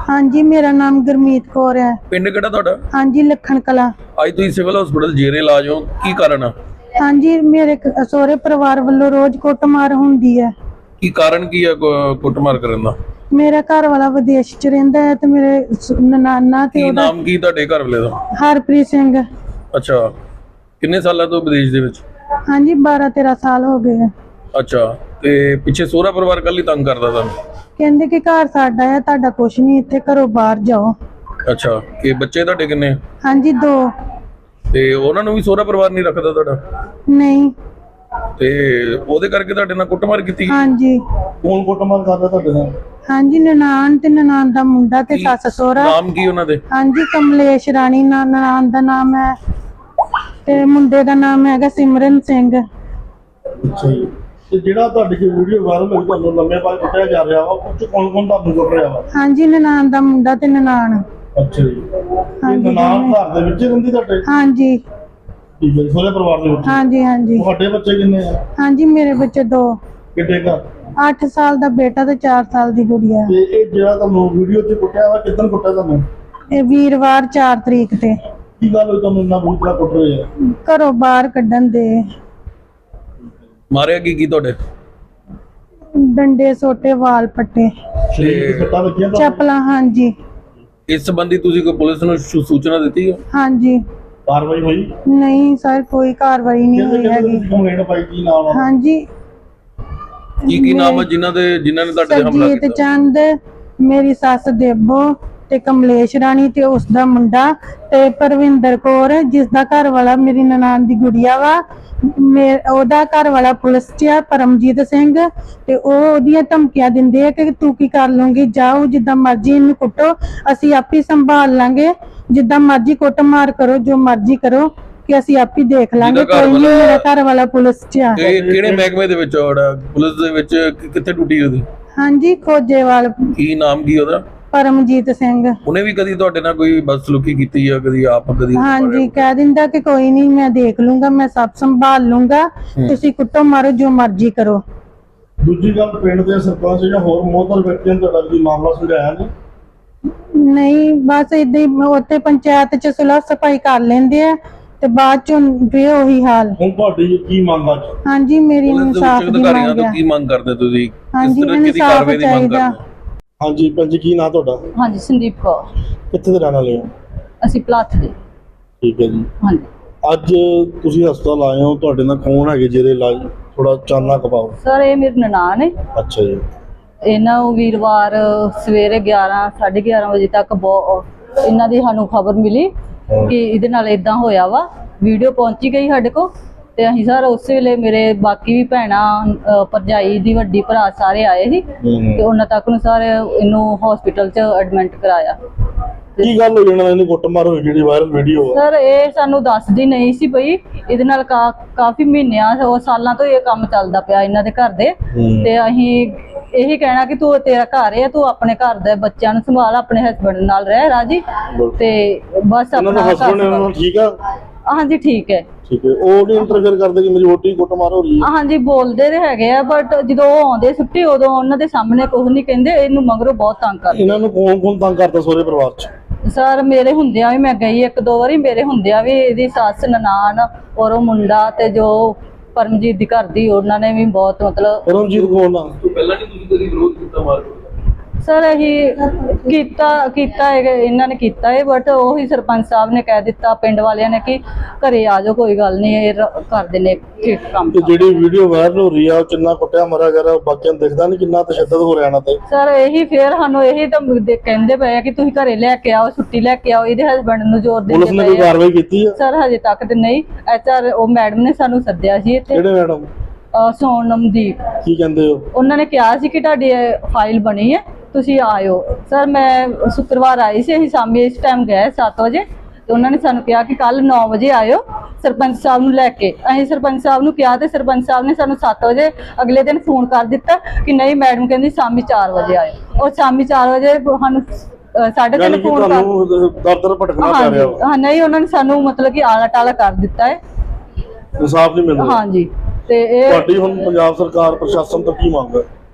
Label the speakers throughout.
Speaker 1: हाँ जी, मेरा नाम गुरमीत कौर है।
Speaker 2: पिंड किहड़ा तुहाडा?
Speaker 1: हाँ जी, लखन कला।
Speaker 2: ਅੱਜ ਤੁਸੀਂ ਸਿਵਲ ਹਸਪੀਟਲ ਜੇਰੇ ਇਲਾਜ ਹੋ, ਕੀ ਕਾਰਨ ਆ?
Speaker 1: हाँ जी, मेरे सहुरे परिवार वालों रोज कुटमार हुंदी है।
Speaker 2: ਕੀ ਕਾਰਨ ਕੀ ਆ ਕੁੱਟਮਾਰ ਕਰਨ ਦਾ?
Speaker 1: मेरा घर वाला विदेश च रहिंदा है ते मेरे ननाना ते
Speaker 2: ਕੀ
Speaker 1: ओदा
Speaker 2: ਨਾਮ ਕੀ ਤੁਹਾਡੇ ਘਰ ਵਾਲੇ ਦਾ?
Speaker 1: हरप्रीत सिंह।
Speaker 2: ਅੱਛਾ, ਕਿੰਨੇ ਸਾਲਾਂ ਤੋਂ ਵਿਦੇਸ਼ ਦੇ ਵਿੱਚ?
Speaker 1: हाँ जी, 12-13 साल हो गए हैं।
Speaker 2: ਅੱਛਾ, ਤੇ ਪਿੱਛੇ ਸਹੁਰਾ ਪਰਿਵਾਰ ਕੱਲ ਹੀ ਤੰਗ ਕਰਦਾ ਤੁਹਾਨੂੰ?
Speaker 1: कहंदे कि घर साडा है, तुहाडा कुछ नहीं, इत्थे घरों बाहर जाओ।
Speaker 2: ਅੱਛਾ, ਕਿ ਬੱਚੇ ਤੁਹਾਡੇ ਕਿੰਨੇ?
Speaker 1: हाँ जी, 2।
Speaker 2: ਤੇ ਉਹਨਾਂ ਨੂੰ ਵੀ ਸਹੁਰਾ ਪਰਿਵਾਰ ਨਹੀਂ ਰੱਖਦਾ ਤੁਹਾਡਾ?
Speaker 1: नहीं।
Speaker 2: ਤੇ ਉਹਦੇ ਕਰਕੇ ਤੁਹਾਡੇ ਨਾਲ ਕੁੱਟਮਾਰ ਕੀਤੀ?
Speaker 1: हाँ जी।
Speaker 2: ਕੌਣ ਕੁੱਟਮਾਰ ਕਰਦਾ ਤੁਹਾਡੇ ਨਾਲ?
Speaker 1: हाँ जी, ननान ते ननान दा मुंडा ते सस सहुरा।
Speaker 2: ਨਾਮ ਕੀ ਉਹਨਾਂ ਦੇ?
Speaker 1: हाँ जी, कमलेश रानी ननान दा नाम है ते मुंडे दा नाम हैगा सिमरन सिंह।
Speaker 3: ਅੱਛਾ ਜੀ। ਤੇ ਜਿਹੜਾ ਤੁਹਾਡੀ ਜੋ ਵੀਡੀਓ ਵਾਇਰਲ ਹੋਈ ਤੁਹਾਨੂੰ ਲੰਮੇ ਬਾਅਦ ਕੁੱਟਿਆ ਜਾ ਰਿਹਾ ਵਾ, ਉਹ ਚ ਕੌਣ ਕੌਣ ਤੁਹਾਨੂੰ ਕੁੱਟ ਰਿਹਾ ਵਾ?
Speaker 1: हाँ जी, ननान दा मुंडा ते ननान।
Speaker 3: ਅੱਛਾ ਜੀ।
Speaker 1: हाँ
Speaker 3: ਇਹ
Speaker 1: जी,
Speaker 3: ਨਨਾਣ ਘਰ ਦੇ ਵਿੱਚ ਹੀ ਰਹਿੰਦੀ ਤੁਹਾਡੇ?
Speaker 1: हाँ जी।
Speaker 3: ਠੀਕ ਹੈ ਜੀ, ਸਹੁਰੇ ਪਰਿਵਾਰ ਦੇ ਵਿੱਚ?
Speaker 1: हाँ जी, हाँ जी।
Speaker 3: ਤੁਹਾਡੇ ਬੱਚੇ ਕਿੰਨੇ ਆ?
Speaker 1: हाँ जी, मेरे बच्चे 2।
Speaker 3: ਕਿੱਡੇ ਘਰ?
Speaker 1: 8 साल दा बेटा ते 4 साल दी गुड़िया।
Speaker 3: ਤੇ ਇਹ ਜਿਹੜਾ ਤੁਹਾਨੂੰ ਵੀਡੀਓ 'ਚ ਕੁੱਟਿਆ ਵਾ, ਕਿੱਦਣ ਕੁੱਟਿਆ ਤੁਹਾਨੂੰ?
Speaker 1: ਇਹ ਵੀਰਵਾਰ 4 ਤਰੀਕ ਤੇ।
Speaker 3: ਕੀ ਗੱਲ ਹੋਈ ਤੁਹਾਨੂੰ ਇੰਨਾ ਬੁਰੀ ਤਰ੍ਹਾਂ ਕੁੱਟ ਰਹੇ ਆ?
Speaker 1: ਘਰੋਂ ਬਾਹਰ ਕੱਢਣ ਦੇ
Speaker 2: ਮਾਰਿਆ ਕੀ ਤੁਹਾਡੇ?
Speaker 1: ਡੰਡੇ ਸੋਟੇ, ਵਾਲ ਪੱਟੇ,
Speaker 3: ਸਰੀਰ ਤੇ ਸੱਟਾਂ ਲੱਗੀਆਂ ਤੁਹਾਨੂੰ?
Speaker 1: ਚੱਪਲਾਂ। हाँ जी।
Speaker 2: ਇਸ ਸੰਬੰਧੀ ਤੁਸੀਂ ਕੋਈ ਪੁਲਿਸ ਨੂੰ ਸੂਚਨਾ ਦਿੱਤੀ ਹੈ?
Speaker 1: हाँ जी।
Speaker 3: ਕਾਰਵਾਈ ਹੋਈ?
Speaker 1: ਨਹੀਂ ਸਰ, ਕੋਈ ਕਾਰਵਾਈ ਨਹੀਂ ਹੋਈ ਹੈਗੀ।
Speaker 3: ਕੰਪਲੇਂਟ ਪਾਈ, ਕੀ ਨਾਮ ਆ?
Speaker 1: हाँ जी।
Speaker 2: ਕੀ ਨਾਮ ਹੈ ਜਿਨ੍ਹਾਂ ਨੇ ਤੁਹਾਡੇ ਤੇ ਹਮਲਾ
Speaker 1: ਸਰਜੀਤ
Speaker 2: ਕੀਤਾ?
Speaker 1: ਚੰਦ, ਮੇਰੀ ਸੱਸ ਦੇਬੋ ਤੇ ਕਮਲੇਸ਼ ਰਾਣੀ ਤੇ ਉਸ ਦਾ ਮੁੰਡਾ ਤੇ ਪਰਵਿੰਦਰ ਕੌਰ, ਜਿਸ ਦਾ ਘਰ ਵਾਲਾ ਮੇਰੀ ਨਨਾਣ ਦੀ ਗੁੜੀਆ ਵਾ। ਉਹਦਾ ਘਰ ਵਾਲਾ ਪੁਲਿਸ 'ਚ ਆ, ਪਰਮਜੀਤ ਸਿੰਘ, ਤੇ ਉਹ ਉਹਦੀਆਂ ਧਮਕੀਆਂ ਦਿੰਦੇ ਆ ਕਿ ਤੂੰ ਕੀ ਕਰ ਲੂੰਗੀ, ਜਾਓ ਜਿੱਦਾਂ ਮਰਜ਼ੀ ਇਹਨੂੰ ਕੁੱਟੋ, ਅਸੀਂ ਆਪੇ ਸੰਭਾਲ ਲਾਂਗੇ, ਜਿੱਦਾਂ ਮਰਜ਼ੀ ਕੁੱਟ ਮਾਰ ਕਰੋ, ਜੋ ਮਰਜ਼ੀ ਕਰੋ, ਕਿ ਅਸੀਂ ਆਪੇ ਦੇਖ ਲਾਂਗੇ, ਕੋਈ ਨਹੀਂ। ਮੇਰਾ ਘਰ ਵਾਲਾ ਪੁਲਿਸ 'ਚ ਆ।
Speaker 2: ਕਿਹੜੇ ਮਹਿਕਮੇ ਦੇ ਵਿੱਚ ਆ? ਪੁਲਿਸ ਦੇ ਵਿੱਚ ਕਿੱਥੇ ਡਿਊਟੀ ਉਹਦੀ?
Speaker 1: ਹਾਂਜੀ, ਖੋਜੇਵਾਲ।
Speaker 2: ਕੀ ਨਾਮ ਕੀ ਉਹਦਾ?
Speaker 1: ਪਰਮਜੀਤ ਸਿੰਘ।
Speaker 2: ਉਹਨੇ ਵੀ ਕਦੀ ਤੁਹਾਡੇ ਨਾਲ ਕੋਈ ਬਦਸਲੂਕੀ ਕੀਤੀ ਆ? ਕਦੀ ਆਪ ਕਦੀ?
Speaker 1: ਹਾਂਜੀ, ਕਹਿ ਦਿੰਦਾ ਕਿ ਕੋਈ ਨਹੀਂ, ਮੈਂ ਦੇਖ ਲੂੰਗਾ, ਮੈਂ ਸਭ ਸੰਭਾਲ ਲੂੰਗਾ, ਤੁਸੀਂ ਕੁੱਟੋ ਮਾਰੋ, ਜੋ ਮਰਜ਼ੀ ਕਰੋ।
Speaker 3: ਦੂਜੀ ਗੱਲ, ਪਿੰਡ ਦੇ ਸਰਪੰਚ ਜਾਂ ਹੋਰ ਮੋਹਤਰ ਵਿਅਕਤੀਆਂ ਨੇ ਤੁਹਾਡਾ ਕੋਈ ਮਾਮਲਾ ਸੁਲਝਾਇਆ ਨਹੀਂ?
Speaker 1: ਨਹੀਂ, ਬਸ ਏਦਾਂ ਹੀ ਉੱਥੇ ਪੰਚਾਇਤ 'ਚ ਸੁਲਹ ਸਫਾਈ ਕਰ ਲੈਂਦੇ ਆ ਤੇ ਬਾਅਦ 'ਚੋਂ ਫੇਰ ਉਹੀ ਹਾਲ।
Speaker 3: ਹੁਣ ਤੁਹਾਡੀ ਕੀ ਮੰਗ ਆ?
Speaker 1: ਹਾਂਜੀ, ਮੇਰੀ ਇਨਸਾਫ ਦੀ
Speaker 2: ਅਧਿਕਾਰੀਆਂ
Speaker 1: ਮੰਗ
Speaker 2: ਤੋਂ
Speaker 1: ਹੈ।
Speaker 2: ਕੀ ਮੰਗ ਕਰਦੇ ਤੁਸੀਂ?
Speaker 1: ਹਾਂਜੀ,
Speaker 2: ਕਿਸ ਤਰ੍ਹਾਂ ਦੀ
Speaker 1: ਇਨਸਾਫ
Speaker 2: ਕਾਰਵਾਈ ਦੀ ਮੰਗ
Speaker 1: ਚਾਹੀਦਾ।
Speaker 2: ਕਰਦੇ?
Speaker 3: ਹਾਂਜੀ ਭੈਣ ਜੀ, ਕੀ ਨਾਂ ਤੁਹਾਡਾ?
Speaker 4: ਹਾਂਜੀ, ਸੰਦੀਪ ਕੌਰ।
Speaker 3: ਕਿੱਥੇ ਦੇ ਰਹਿਣ ਵਾਲੇ ਹੋ?
Speaker 4: ਅਸੀਂ ਪਲਾਥ ਦੇ।
Speaker 3: ਠੀਕ ਹੈ ਜੀ।
Speaker 4: ਹਾਂਜੀ।
Speaker 3: ਅੱਜ ਤੁਸੀਂ ਹਸਪਤਾਲ ਆਏ ਹੋ, ਤੁਹਾਡੇ ਨਾਲ ਕੌਣ ਹੈਗੇ ਜਿਹਦੇ ਇਲਾਜ? ਥੋੜਾ ਚਾਨਣਾ ਕਪਾਓ।
Speaker 4: ਸਰ, ਇਹ ਮੇਰੇ ਨਨਾਣ ਹੈ।
Speaker 3: ਅੱਛਾ ਜੀ।
Speaker 4: ਇਹਨਾਂ ਨੂੰ ਵੀਰਵਾਰ ਸਵੇਰੇ 11-11:30 ਵਜੇ ਤੱਕ ਇਹਨਾਂ ਦੀ ਸਾਨੂੰ ਖਬਰ ਮਿਲੀ ਕਿ ਇਹਦੇ ਨਾਲ ਇਦਾਂ ਹੋਇਆ ਵਾ। ਵੀਡੀਓ ਪਹੁੰਚੀ ਗਈ ਸਾਡੇ ਕੋਲ ਤੇ ਅਸੀਂ ਸਰ ਉਸੇ ਵੇਲੇ, ਮੇਰੇ ਬਾਕੀ ਵੀ ਭੈਣਾਂ, ਭਰਜਾਈ ਦੀ ਵੱਡੀ ਭਰਾ ਸਾਰੇ ਆਏ ਸੀ ਤੇ ਉਹਨਾਂ ਤੱਕ ਨੂੰ ਸਰ ਇਹਨੂੰ ਹਸਪੀਟਲ 'ਚ ਐਡਮਿਟ ਕਰਾਇਆ।
Speaker 3: ਕੀ ਗੱਲ ਹੋਈ ਇਹਨਾਂ ਨੇ ਕੁੱਟਮਾਰ ਹੋਈ ਜਿਹੜੀ ਵਾਇਰਲ ਵੀਡੀਓ ਆ?
Speaker 4: ਸਰ, ਇਹ ਸਾਨੂੰ ਦੱਸਦੀ ਨਹੀਂ ਸੀ ਪਈ। ਇਹਦੇ ਨਾਲ ਕਾਫੀ ਮਹੀਨਿਆਂ ਸਾਲਾਂ ਤੋਂ ਇਹ ਕੰਮ ਚੱਲਦਾ ਪਿਆ ਇਹਨਾਂ ਦੇ ਘਰ ਦੇ, ਤੇ ਅਸੀਂ ਇਹੀ ਕਹਿਣਾ ਕਿ ਤੂੰ, ਤੇਰਾ ਘਰ ਹੈ, ਤੂੰ ਆਪਣੇ ਘਰ ਦੇ ਬੱਚਿਆਂ ਨੂੰ ਸੰਭਾਲ, ਆਪਣੇ ਹਸਬੰਡ ਨਾਲ ਰਹਿ ਰਾਜੀ, ਤੇ ਬਸ ਆਪਣਾ
Speaker 3: ਘਰ ਠੀਕ ਆ?
Speaker 4: ਹਾਂਜੀ, ਠੀਕ ਹੈ।
Speaker 3: ਠੀਕ ਹੈ। ਉਹ ਨਹੀਂ ਇੰਟਰਫੇਅਰ ਕਰਦੇ ਕਿ ਮੇਰੀ ਵੋਟੀ ਕੁੱਟਮਾਰ ਹੋ ਰਹੀ ਹੈ?
Speaker 4: ਹਾਂਜੀ, ਬੋਲਦੇ ਤੇ ਹੈਗੇ ਆ, ਬਟ ਜਦੋਂ ਉਹ ਆਉਂਦੇ ਛੁੱਟੀ, ਉਦੋਂ ਉਹਨਾਂ ਦੇ ਸਾਹਮਣੇ ਕੁਝ ਨਹੀਂ ਕਹਿੰਦੇ। ਇਹਨੂੰ ਮਗਰੋਂ ਬਹੁਤ ਤੰਗ ਕਰਦੇ।
Speaker 3: ਇਹਨਾਂ ਨੂੰ ਕੌਣ ਤੰਗ ਕਰਦਾ ਸਹੁਰੇ ਪਰਿਵਾਰ 'ਚ?
Speaker 4: ਸਰ, ਮੇਰੇ ਹੁੰਦਿਆਂ ਵੀ ਮੈਂ ਗਈ 1-2 ਵਾਰੀ, ਮੇਰੇ ਹੁੰਦਿਆਂ ਵੀ ਇਹਦੀ ਸੱਸ, ਨਨਾਣ ਔਰ ਉਹ ਮੁੰਡਾ ਤੇ ਜੋ ਪਰਮਜੀਤ ਦੀ ਘਰ ਦੀ, ਉਹਨਾਂ ਨੇ ਵੀ ਬਹੁਤ ਮਤਲਬ।
Speaker 3: ਪਰਮਜੀਤ ਕੌਣ ਆ?
Speaker 2: ਪਹਿਲਾਂ ਨਹੀਂ ਤੁਸੀਂ ਕਦੀ ਵਿਰੋਧ ਕੀਤਾ ਮਾਰਕੀਟ?
Speaker 4: ਸਰ, ਅਸੀਂ ਕੀਤਾ ਹੈ, ਇਹਨਾਂ ਨੇ ਕੀਤਾ ਹੈ, ਬਟ ਉਹੀ ਸਰਪੰਚ ਸਾਹਿਬ ਨੇ ਕਹਿ ਦਿੱਤਾ, ਪਿੰਡ ਵਾਲਿਆਂ ਨੇ, ਕਿ ਘਰੇ ਆ ਜਾਓ, ਕੋਈ ਗੱਲ ਨਹੀਂ, ਇਹ ਕਰਦੇ ਨੇ ਠੀਕ ਕੰਮ।
Speaker 3: ਤੇ ਜਿਹੜੀ ਵੀਡੀਓ ਵਾਇਰਲ ਹੋ ਰਹੀ ਆ, ਉਹ ਕਿੰਨਾ ਕੁੱਟਿਆ ਮਾਰਿਆ ਗਿਆ, ਬਾਕੀਆਂ ਨੂੰ ਦਿਖਦਾ ਨਹੀਂ ਕਿੰਨਾ ਤਸ਼ੱਦਦ ਹੋ ਰਿਹਾ ਇਹਨਾਂ ਤੇ?
Speaker 4: ਸਰ, ਇਹੀ ਫੇਰ ਸਾਨੂੰ ਇਹੀ ਤਾਂ ਕਹਿੰਦੇ ਪਏ ਆ ਕਿ ਤੁਸੀਂ ਘਰੇ ਲੈ ਕੇ ਆਓ, ਛੁੱਟੀ ਲੈ ਕੇ ਆਓ, ਇਹਦੇ ਹਸਬੰਡ ਨੂੰ ਜ਼ੋਰ ਦਿੰਦੇ
Speaker 3: ਪੁਲਿਸ ਨੇ ਕੋਈ ਕਾਰਵਾਈ ਕੀਤੀ ਆ?
Speaker 4: ਸਰ, ਹਜੇ ਤੱਕ ਤੇ ਨਹੀਂ। HR ਉਹ ਮੈਡਮ ਨੇ ਸਾਨੂੰ ਸੱਦਿਆ ਸੀ ਇੱਥੇ।
Speaker 3: ਕਿਹੜੇ ਮੈਡਮ?
Speaker 4: ਸੋਨਮਦੀਪ।
Speaker 3: ਕੀ ਕਹਿੰਦੇ ਹੋ?
Speaker 4: ਉਹਨਾਂ ਨੇ ਕਿਹਾ ਸੀ ਕਿ ਤੁਹਾਡੀ ਫਾਈਲ ਬਣੀ ਹੈ, ਤੁਸੀਂ ਆਇਓ। ਸਰ, ਮੈਂ ਸ਼ੁੱਕਰਵਾਰ ਆਈ ਸੀ, ਅਸੀਂ ਸ਼ਾਮੀ ਇਸ ਟਾਈਮ ਗਏ 7 ਵਜੇ, ਤੇ ਉਹਨਾਂ ਨੇ ਸਾਨੂੰ ਕਿਹਾ ਕਿ ਕੱਲ 9 ਵਜੇ ਆਇਓ ਸਰਪੰਚ ਸਾਹਿਬ ਨੂੰ ਲੈ ਕੇ। ਅਸੀਂ ਸਰਪੰਚ ਸਾਹਿਬ ਨੂੰ ਕਿਹਾ ਤੇ ਸਰਪੰਚ ਸਾਹਿਬ ਨੇ ਸਾਨੂੰ 7 ਵਜੇ ਅਗਲੇ ਦਿਨ ਫੋਨ ਕਰ ਦਿੱਤਾ ਕਿ ਨਹੀਂ, ਮੈਡਮ ਕਹਿੰਦੀ ਸ਼ਾਮੀ 4 ਵਜੇ ਆਇਓ। ਔਰ ਸ਼ਾਮੀ 4 ਵਜੇ ਸਾਨੂੰ 3:30 ਫੋਨ ਕਰ
Speaker 3: ਦਰ ਭਟਕਣਾ ਪੈ ਰਿਹਾ ਵਾ।
Speaker 4: ਹਾਂ, ਨਹੀਂ, ਉਹਨਾਂ ਨੇ ਸਾਨੂੰ ਮਤਲਬ ਕਿ ਆਲਾ ਟਾਲਾ ਕਰ ਦਿੱਤਾ ਹੈ।
Speaker 3: ਇਨਸਾਫ ਨਹੀਂ ਮਿਲਦਾ?
Speaker 4: ਹਾਂਜੀ। ਤੇ ਇਹ
Speaker 3: ਤੁਹਾਡੀ ਹੁਣ ਪੰਜਾਬ ਸਰਕਾਰ ਪ੍ਰਸ਼ਾਸਨ ਤੋਂ ਕੀ ਮੰਗ ਹੈ?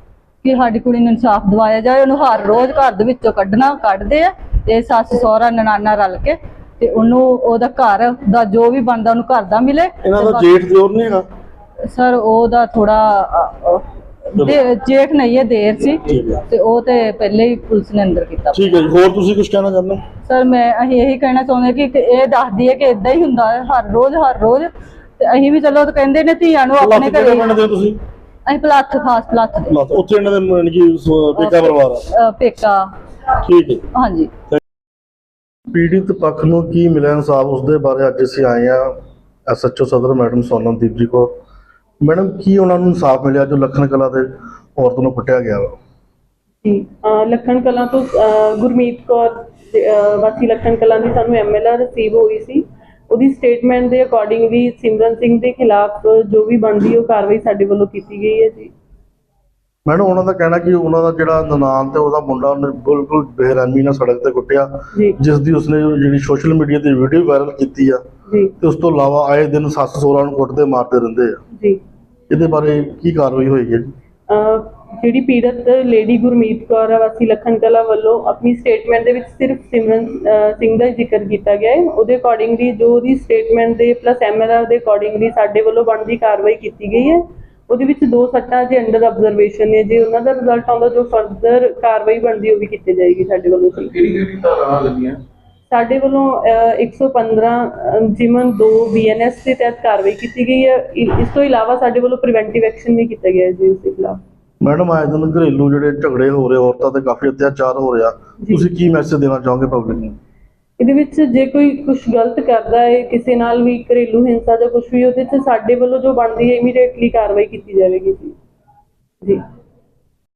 Speaker 4: ਕਿ ਸਾਡੀ ਕੁੜੀ ਨੂੰ ਇਨਸਾਫ ਦਿਵਾਇਆ ਜਾਏ। ਉਹਨੂੰ ਹਰ ਰੋਜ਼ ਘਰ ਦੇ ਵਿੱਚੋਂ ਕੱਢਦੇ ਆ ਤੇ ਸੱਸ ਸਹੁਰਾ ਨਨਾਨਾ ਰਲ ਕੇ, ਤੇ ਉਹਨੂੰ ਉਹਦਾ ਘਰ ਦਾ ਜੋ ਵੀ ਬਣਦਾ ਉਹਨੂੰ ਘਰ ਦਾ ਮਿਲੇ।
Speaker 3: ਇਹਨਾਂ ਦਾ ਜੇਠ ਦਿਓਰ ਨਹੀਂ ਹੈਗਾ?
Speaker 4: ਸਰ ਉਹਦਾ ਥੋੜਾ ਜੇਠ ਨਹੀਂ ਹੈ, ਦੇਰ ਸੀ,
Speaker 3: ਠੀਕ ਹੈ।
Speaker 4: ਤੇ ਉਹ ਤੇ ਪਹਿਲੇ ਹੀ ਪੁਲਿਸ ਨੇ ਅੰਦਰ ਕੀਤਾ।
Speaker 3: ਠੀਕ ਹੈ ਜੀ, ਹੋਰ ਤੁਸੀਂ ਕੁਝ ਕਹਿਣਾ ਚਾਹੁੰਦੇ ਹੋ?
Speaker 4: ਸਰ ਅਸੀਂ ਇਹੀ ਕਹਿਣਾ ਚਾਹੁੰਦੇ ਕਿ ਇਹ ਦੱਸਦੀ ਹੈ ਕਿ ਇਦਾਂ ਹੀ ਹੁੰਦਾ ਹੈ ਹਰ ਰੋਜ਼, ਤੇ ਅਸੀਂ ਵੀ ਚਲੋ ਕਹਿੰਦੇ ਨੇ ਧੀਆਂ ਨੂੰ ਆਪਣੇ ਘਰੇ।
Speaker 3: ਪਿੰਡ ਦੇ ਤੁਸੀਂ?
Speaker 4: ਅਸੀਂ ਖਾਸ ਪਲਾਥ ਦੇ।
Speaker 3: ਉੱਥੇ ਇਹਨਾਂ ਦੇ ਯਾਨੀ ਕਿ ਪੇਕਾ ਪਰਿਵਾਰ ਆ?
Speaker 4: ਪੇਕਾ।
Speaker 3: ਠੀਕ ਹੈ।
Speaker 4: ਹਾਂਜੀ।
Speaker 3: ਪੀੜਿਤ ਪੱਖ ਨੂੰ ਕੀ ਮਿਲਿਆ ਇਨਸਾਫ, ਉਸ ਦੇ ਬਾਰੇ ਅੱਜ ਅਸੀਂ ਆਏ ਆ SHO ਸਦਰ ਮੈਡਮ ਸੋਨਮਦੀਪ ਜੀ ਕੋਲ। ਮੈਡਮ, ਕੀ ਉਹਨਾਂ ਨੂੰ ਇਨਸਾਫ ਮਿਲਿਆ ਜੋ ਲੱਖਣ ਕਲਾਂ ਦੇ ਔਰਤ ਨੂੰ ਕੁੱਟਿਆ ਗਿਆ ਵਾ?
Speaker 5: ਜੀ, ਲੱਖਣ ਕਲਾਂ ਤੋਂ ਗੁਰਮੀਤ ਕੌਰ ਵਾਸੀ ਲੱਖਣ ਕਲਾਂ ਦੀ ਸਾਨੂੰ MLR ਰਿਸੀਵ ਹੋਈ ਸੀ। ਉਹਦੀ ਸਟੇਟਮੈਂਟ ਦੇ ਅਕੋਰਡਿੰਗ ਵੀ ਸਿਮਰਨ ਸਿੰਘ ਦੇ ਖਿਲਾਫ ਜੋ ਵੀ ਬਣਦੀ ਉਹ ਕਾਰਵਾਈ ਸਾਡੇ ਵੱਲੋਂ ਕੀਤੀ ਗਈ ਹੈ ਜੀ।
Speaker 3: ਮੈਡਮ, ਉਹਨਾਂ ਦਾ ਕਹਿਣਾ ਕਿ ਉਹਨਾਂ ਦਾ ਜਿਹੜਾ ਨਨਾਣ ਤੇ ਉਹਦਾ ਮੁੰਡਾ ਉਹਨੇ ਬਿਲਕੁਲ ਬੇਰਹਿਮੀ ਨਾਲ ਸੜਕ ਤੇ ਕੁੱਟਿਆ, ਜਿਸ ਦੀ ਉਸਨੇ ਜਿਹੜੀ ਸੋਸ਼ਲ ਮੀਡੀਆ ਤੇ ਵੀਡੀਓ ਵਾਇਰਲ ਕੀਤੀ ਆ
Speaker 5: ਜੀ,
Speaker 3: ਤੇ ਉਸ ਤੋਂ ਇਲਾਵਾ ਆਏ ਦਿਨ ਸੱਸ ਸਹੁਰਾ ਨੂੰ ਕੁੱਟਦੇ ਮਾਰਦੇ ਰਹਿੰਦੇ ਆ
Speaker 5: ਜੀ।
Speaker 3: ਇਹਦੇ ਬਾਰੇ ਕੀ ਕਾਰਵਾਈ ਹੋਈ ਹੈ ਜੀ?
Speaker 5: ਜਿਹੜੀ ਪੀੜਤ ਲੇਡੀ ਗੁਰਮੀਤ ਕੌਰ ਵਾਸੀ ਲੱਖਣ ਕਲਾਂ ਵੱਲੋਂ ਆਪਣੀ ਸਟੇਟਮੈਂਟ ਦੇ ਵਿੱਚ ਸਿਰਫ ਸਿਮਰਨ ਸਿੰਘ ਦਾ ਜ਼ਿਕਰ ਕੀਤਾ ਗਿਆ ਹੈ। ਉਹਦੇ ਅਕੋਰਡਿੰਗਲੀ ਜੋ ਉਹਦੀ ਸਟੇਟਮੈਂਟ ਦੇ ਪਲੱਸ MLR ਦੇ ਅਕੋਰਡਿੰਗਲੀ ਸਾਡੇ ਵੱਲੋਂ ਬਣਦੀ ਕਾਰਵਾਈ ਕੀਤੀ ਗਈ ਹੈ। ਉਹਦੇ ਵਿੱਚ 2 ਸੱਟਾਂ ਜੇ ਅੰਡਰ ਆਬਜ਼ਰਵੇਸ਼ਨ ਨੇ, ਜੇ ਉਹਨਾਂ ਦਾ ਰਿਜ਼ਲਟ ਆਉਂਦਾ ਜੋ ਫਰਦਰ ਕਾਰਵਾਈ ਬਣਦੀ ਉਹ ਵੀ ਕੀਤੀ ਜਾਏਗੀ ਸਾਡੇ ਵੱਲੋਂ।
Speaker 2: ਕਿਹੜੀ ਧਾਰਾਵਾਂ ਲੱਗੀਆਂ?
Speaker 5: ਸਾਡੇ ਵੱਲੋਂ 115 ਜਿਮਨ 2 BNS ਦੇ ਤਹਿਤ ਕਾਰਵਾਈ ਕੀਤੀ ਗਈ ਹੈ। ਇਸ ਤੋਂ ਇਲਾਵਾ ਸਾਡੇ ਵੱਲੋਂ ਪ੍ਰੀਵੈਂਟਿਵ ਐਕਸ਼ਨ ਵੀ ਕੀਤਾ ਗਿਆ ਹੈ ਜੀ ਉਸ ਦੇ ਖਿਲਾਫ।
Speaker 3: ਮੈਡਮ, ਆਏ ਦਿਨ ਘਰੇਲੂ ਜਿਹੜੇ ਝਗੜੇ ਹੋ ਰਹੇ, ਔਰਤਾਂ ਤੇ ਕਾਫੀ ਅਤਿਆਚਾਰ ਹੋ ਰਿਹਾ, ਤੁਸੀਂ ਕੀ ਮੈਸੇਜ ਦੇਣਾ ਚਾਹੋਗੇ ਪਬਲਿਕ ਨੂੰ?
Speaker 5: ਇਹਦੇ ਵਿੱਚ ਜੇ ਕੋਈ ਕੁਝ ਗਲਤ ਕਰਦਾ ਹੈ, ਕਿਸੇ ਨਾਲ ਵੀ ਘਰੇਲੂ ਹਿੰਸਾ ਜਾਂ ਕੁਝ ਵੀ, ਉਹਦੇ 'ਚ ਸਾਡੇ ਵੱਲੋਂ ਜੋ ਬਣਦੀ ਹੈ ਇਮੀਡੀਏਟਲੀ ਕਾਰਵਾਈ ਕੀਤੀ ਜਾਵੇਗੀ ਜੀ।